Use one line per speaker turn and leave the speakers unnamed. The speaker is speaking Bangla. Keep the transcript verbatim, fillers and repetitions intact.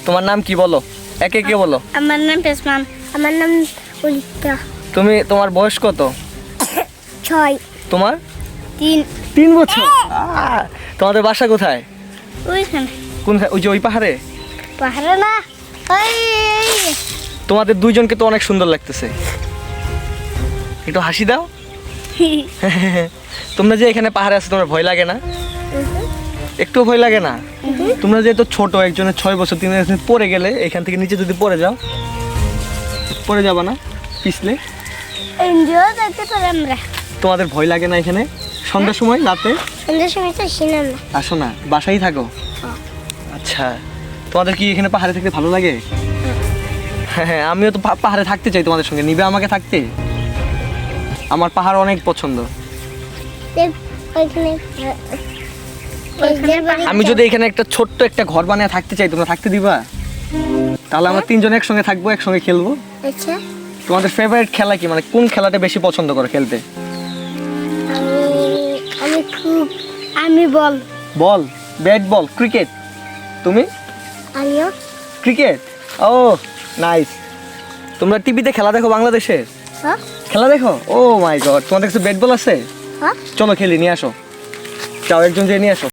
তোমার নাম কি বলো, একে কে বলো।
আমার নাম পেসমান। আমার নাম উলিকা।
তুমি, তোমার বয়স কত?
ছয়।
তোমার?
তিন।
তিন বছর। আহ, তোমাদের বাসা কোথায়?
ওইখানে।
কোন, ওই যে ওই পাহাড়ে?
পাহাড়ে না, ওই
তোমাদের দুইজনকে তো অনেক সুন্দর লাগতেছে, একটু হাসি দাও। তোমরা যে এখানে পাহাড়ে আছো, তোমার ভয় লাগে না? একটু ভয় লাগে না? তোমরা যেহেতু ছোট, একজনের ছয় বছর, তিন বছর পড়ে গেলে এখান থেকে নিচে যদি পড়ে যাও, পড়ে যাবা না পিছলে?
এনজয় করতে পারি আমরা।
তোমাদের ভয় লাগে না এখানে সন্ধ্যার সময়, রাতে?
সন্ধ্যার সময় তো আসি না আমরা।
আসো না, বাসায় থাকো? আচ্ছা, তোমাদের কি এখানে পাহাড়ে থাকতে ভালো লাগে? হ্যাঁ হ্যাঁ, আমিও তো পা- পাহাড়ে থাকতে চাই তোমাদের সঙ্গে, নিবে আমাকে থাকতে? আমার পাহাড় অনেক পছন্দ।
ওইখানে
আমি যদি এখানে একটা ছোট্ট একটা ঘর বানিয়ে থাকতে চাই, তোমরা থাকতে দিবা? তাহলে আমরা তিনজন একসঙ্গে থাকবো, একসঙ্গে খেলবো।
আচ্ছা,
তোমাদের ফেভারিট খেলা কি, মানে কোন খেলাটা বেশি পছন্দ করো খেলতে?
আমি আমি খুব আমি বল
বল, ব্যাট বল, ক্রিকেট। তুমি?
আমিও।
ক্রিকেট। ও নাইস। তোমরা টিভিতে খেলা দেখো বাংলাদেশের?
হ্যাঁ
খেলা দেখো? ও মাই গড, তোমাদের কাছে ব্যাট বল আছে?
হ্যাঁ।
চলো খেলি, নিয়ে আসো। যাও, একজন যেয়ে নিয়ে আসো।